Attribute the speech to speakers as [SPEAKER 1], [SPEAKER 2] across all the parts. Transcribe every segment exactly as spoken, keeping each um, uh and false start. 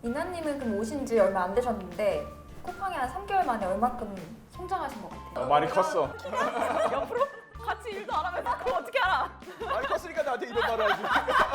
[SPEAKER 1] 이나님은 그럼 오신 지 얼마 안 되셨는데 쿠팡이 한 삼 개월 만에 얼마큼 성장하신 것 같아요?
[SPEAKER 2] 어, 많이 컸어.
[SPEAKER 3] 옆으로 같이 일도 안 하면서 그걸 어떻게 알아?
[SPEAKER 2] 많이 컸으니까 나한테 이런 말을 하지.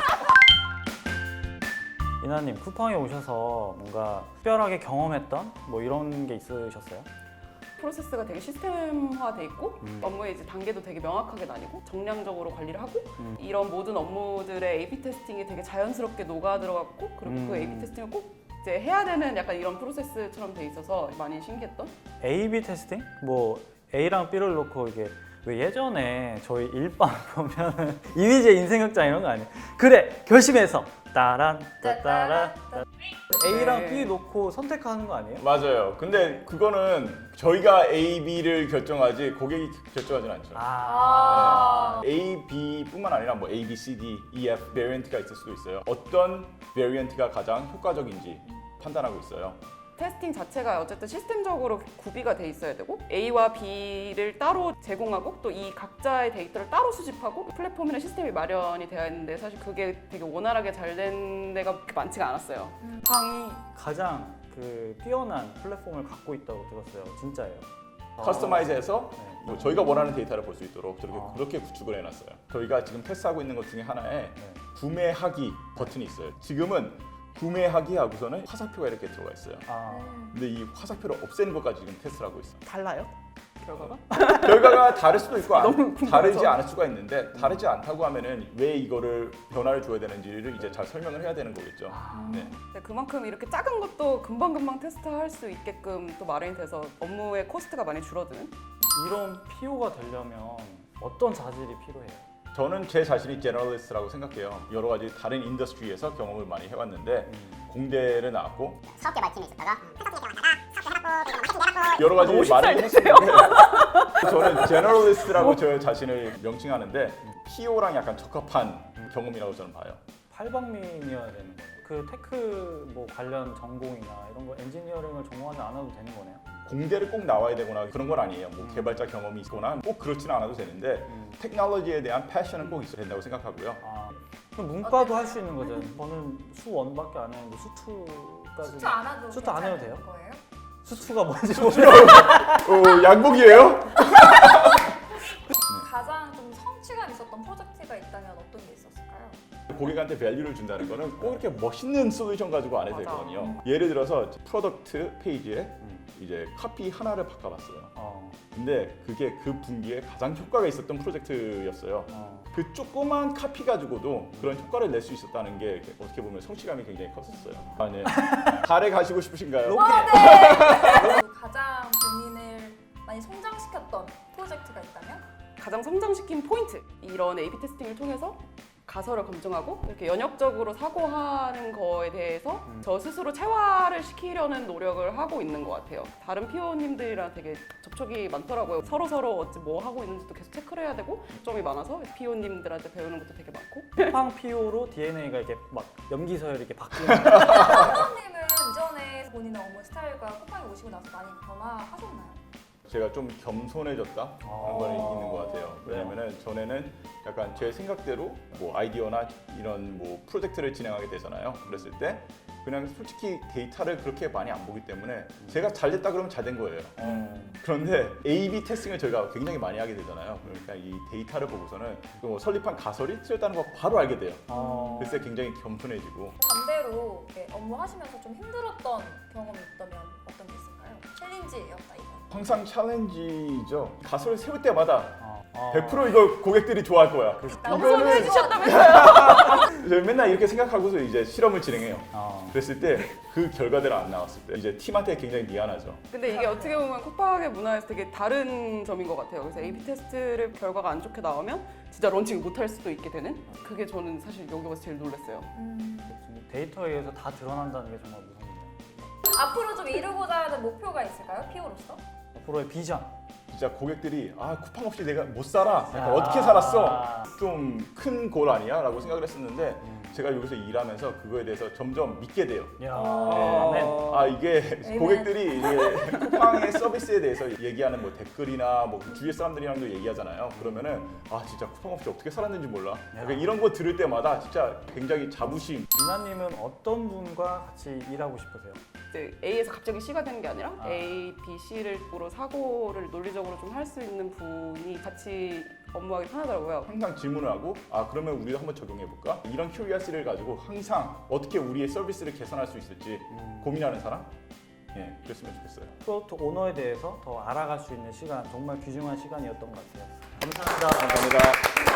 [SPEAKER 4] 이나님, 쿠팡에 오셔서 뭔가 특별하게 경험했던 뭐 이런 게 있으셨어요?
[SPEAKER 3] 프로세스가 되게 시스템화돼 있고
[SPEAKER 4] 음.
[SPEAKER 3] 업무의 이제 단계도 되게 명확하게 나뉘고 정량적으로 관리를 하고
[SPEAKER 4] 음.
[SPEAKER 3] 이런 모든 업무들의 에이피 테스팅이 되게 자연스럽게 녹아 들어갔고 그리고
[SPEAKER 4] 음.
[SPEAKER 3] 그 에이피 테스팅을 꼭 이제 해야 되는 약간 이런 프로세스처럼 돼 있어서 많이 신기했던.
[SPEAKER 4] 에이비 테스팅? 뭐 A랑 B를 놓고 이게 왜 예전에 저희 일반 보면은 이미지의 인생극장 이런 거 아니에요? 그래 결심해서 따란 따따라 따 A랑
[SPEAKER 3] 네.
[SPEAKER 4] B 놓고 선택하는 거 아니에요?
[SPEAKER 2] 맞아요. 근데 그거는 저희가 A, B를 결정하지 고객이 결정하진 않죠.
[SPEAKER 1] 아.
[SPEAKER 2] A, B뿐만 아니라 뭐 A, B, C, D, E, F 베리언트가 있을 수도 있어요. 어떤 베리언트가 가장 효과적인지 판단하고 있어요.
[SPEAKER 3] 테스팅 자체가 어쨌든 시스템적으로 구비가 돼 있어야 되고 A와 B를 따로 제공하고 또 이 각자의 데이터를 따로 수집하고 플랫폼이나 시스템이 마련이 되어 있는데 사실 그게 되게 원활하게 잘 된 데가 그렇게 많지가 않았어요.
[SPEAKER 4] 쿠팡이 가장 그 뛰어난 플랫폼을 갖고 있다고 들었어요. 진짜예요?
[SPEAKER 2] 커스터마이즈해서
[SPEAKER 4] 네.
[SPEAKER 2] 뭐 저희가 원하는 데이터를 볼 수 있도록 저렇게
[SPEAKER 4] 아.
[SPEAKER 2] 그렇게 구축을 해놨어요. 저희가 지금 테스트하고 있는 것 중에 하나에
[SPEAKER 4] 네.
[SPEAKER 2] 구매하기 버튼이 있어요. 지금은 구매하기 하고서는 화살표가 이렇게 들어가 있어요.
[SPEAKER 4] 아,
[SPEAKER 2] 근데 이 화살표를 없애는 것까지 지금 테스트를 하고 있어요.
[SPEAKER 3] 달라요? 결과가?
[SPEAKER 2] 결과가 다를 수도 있고 안-
[SPEAKER 3] 너무 궁금해서.
[SPEAKER 2] 다르지 않을 수가 있는데 다르지 않다고 하면은 왜 이거를 변화를 줘야 되는지를 이제 잘 설명을 해야 되는 거겠죠. 네.
[SPEAKER 3] 네, 그만큼 이렇게 작은 것도 금방금방 테스트할 수 있게끔 또 마련이 돼서 업무의 코스트가 많이 줄어드는?
[SPEAKER 4] 이런 피오가 되려면 어떤 자질이 필요해요?
[SPEAKER 2] 저는 제 자신이 제너럴리스트라고 생각해요. 여러 가지 다른 인더스트리에서 경험을 많이 해왔는데
[SPEAKER 4] 음.
[SPEAKER 2] 공대를 나왔고
[SPEAKER 5] 사업계 말팀에 있었다가
[SPEAKER 2] 여러 가지
[SPEAKER 3] 너무
[SPEAKER 2] 말을
[SPEAKER 3] 쉽지
[SPEAKER 2] 했었는데 저는 제너럴리스트라고 저 자신을 명칭하는데 피오랑 약간 적합한 경험이라고 저는 봐요.
[SPEAKER 4] 팔방민이어야 되는 거예요. 그 테크 뭐 관련 전공이나 이런 거 엔지니어링을 전공하지 않아도 되는 거네요.
[SPEAKER 2] 공대를 꼭 나와야 되거나 그런 건 아니에요. 뭐
[SPEAKER 4] 음.
[SPEAKER 2] 개발자 경험이 있거나 꼭 그렇지는 않아도 되는데
[SPEAKER 4] 음.
[SPEAKER 2] 테크놀로지에 대한 패션은 꼭 있어야 된다고 생각하고요.
[SPEAKER 4] 아, 그럼 문과도 할 수 있는 거죠. 저는 수원밖에 안 했는데 수투까지.
[SPEAKER 1] 수트 안 해도
[SPEAKER 4] 수트 안 해도
[SPEAKER 1] 괜찮은
[SPEAKER 4] 돼요?
[SPEAKER 1] 거예요?
[SPEAKER 4] 수투가 뭔지 모르겠어요.
[SPEAKER 2] 어, 양복이에요?
[SPEAKER 1] 가장 좀 성취감 있었던 프로젝트가 있다면 어떤 게 있었을까요?
[SPEAKER 2] 고객한테 밸류를 준다는 거는 꼭 이렇게 멋있는 솔루션 가지고 안 해도
[SPEAKER 3] 맞아.
[SPEAKER 2] 되거든요. 예를 들어서 프로덕트 페이지에
[SPEAKER 4] 음.
[SPEAKER 2] 이제 카피 하나를 바꿔봤어요.
[SPEAKER 4] 어,
[SPEAKER 2] 근데 그게 그 분기에 가장 효과가 있었던 프로젝트였어요.
[SPEAKER 4] 어.
[SPEAKER 2] 그 조그만 카피 가지고도 그런 효과를 낼 수 있었다는 게 어떻게 보면 성취감이 굉장히 컸었어요. 아, 네. 달에 가시고 싶으신가요?
[SPEAKER 1] 가장 본인을 많이 성장시켰던 프로젝트가 있다면?
[SPEAKER 3] 가장 성장시킨 포인트 이런 에이피 테스팅을 통해서 가설을 검증하고 이렇게 연역적으로 사고하는 거에 대해서
[SPEAKER 4] 음.
[SPEAKER 3] 저 스스로 체화를 시키려는 노력을 하고 있는 것 같아요. 다른 피오님들이랑 되게 접촉이 많더라고요. 서로 서로 어찌 뭐 하고 있는지도 계속 체크를 해야 되고 점이 많아서 피오님들한테 배우는 것도 되게 많고.
[SPEAKER 4] 쿠팡 피오로 디엔에이가 이렇게 막 염기 서열 이렇게 바뀌는.
[SPEAKER 1] 사장님은 이전에 본인의 업무 스타일과 쿠팡에 오시고 나서 많이 변화하셨나요?
[SPEAKER 2] 제가 좀 겸손해졌다 그런 건 있는 것 같아요. 왜냐면은 전에는 약간 제 생각대로 뭐 아이디어나 이런 뭐 프로젝트를 진행하게 되잖아요. 그랬을 때 그냥 솔직히 데이터를 그렇게 많이 안 보기 때문에 제가 잘 됐다 그러면 잘 된 거예요.
[SPEAKER 4] 어.
[SPEAKER 2] 그런데 에이비 테스팅을 저희가 굉장히 많이 하게 되잖아요. 그러니까 이 데이터를 보고서는 또 설립한 가설이 틀렸다는 거 바로 알게 돼요.
[SPEAKER 4] 어.
[SPEAKER 2] 그래서 굉장히 겸손해지고
[SPEAKER 1] 반대로 이렇게 업무하시면서 좀 힘들었던 경험이 있다면 어떤 게 있을까요? 챌린지였다 이거.
[SPEAKER 2] 항상 챌린지죠. 가설을 세울 때마다
[SPEAKER 4] 어. 어.
[SPEAKER 2] 백 퍼센트 이거 고객들이 좋아할 거야.
[SPEAKER 3] 너무
[SPEAKER 2] 이거는
[SPEAKER 3] 해주셨다면서요?
[SPEAKER 2] 저희 맨날 이렇게 생각하고서 이제 실험을 진행해요.
[SPEAKER 4] 어.
[SPEAKER 2] 그랬을 때 그 결과대로 안 나왔을 때 이제 팀한테 굉장히 미안하죠.
[SPEAKER 3] 근데 이게 어떻게 보면 쿠팡의 문화에서 되게 다른 점인 것 같아요. 그래서 에이피 테스트를 결과가 안 좋게 나오면 진짜 런칭을 못 할 수도 있게 되는 그게 저는 사실 여기 와서 제일 놀랐어요.
[SPEAKER 1] 음.
[SPEAKER 4] 데이터에 의해서 다 드러난다는 게 정말 무섭네요.
[SPEAKER 1] 앞으로 좀 이루고자 하는 목표가 있을까요? 피오로서?
[SPEAKER 4] 앞으로의 비전.
[SPEAKER 2] 진짜 고객들이 아 쿠팡 없이 내가 못 살아. 약간
[SPEAKER 4] 아.
[SPEAKER 2] 어떻게 살았어? 좀 큰 골 아니야? 라고 생각을 했었는데
[SPEAKER 4] 음.
[SPEAKER 2] 제가 여기서 일하면서 그거에 대해서 점점 믿게 돼요.
[SPEAKER 4] 야,
[SPEAKER 1] 어.
[SPEAKER 4] 아멘.
[SPEAKER 2] 아 이게
[SPEAKER 1] 에이멘.
[SPEAKER 2] 고객들이 이제 쿠팡의 서비스에 대해서 얘기하는 뭐 댓글이나 뭐 주위의 사람들이랑도 얘기하잖아요. 그러면은 아 진짜 쿠팡 없이 어떻게 살았는지 몰라. 그러니까 이런 거 들을 때마다 진짜 굉장히 자부심.
[SPEAKER 4] 유나님은 어떤 분과 같이 일하고 싶으세요?
[SPEAKER 3] 이제 A에서 갑자기 C가 되는 게 아니라
[SPEAKER 4] 아.
[SPEAKER 3] A, B, C를 사고를 논리적으로 좀 할 수 있는 분이 같이 업무하기 편하더라고요.
[SPEAKER 2] 항상 질문을 하고 아 그러면 우리도 한번 적용해 볼까? 이런 큐리어시를 가지고 항상 어떻게 우리의 서비스를 개선할 수 있을지 고민하는 사람? 예, 그랬으면 좋겠어요.
[SPEAKER 4] 프로덕트 오너에 대해서 더 알아갈 수 있는 시간, 정말 귀중한 시간이었던 것 같아요. 감사합니다.
[SPEAKER 2] 감사합니다.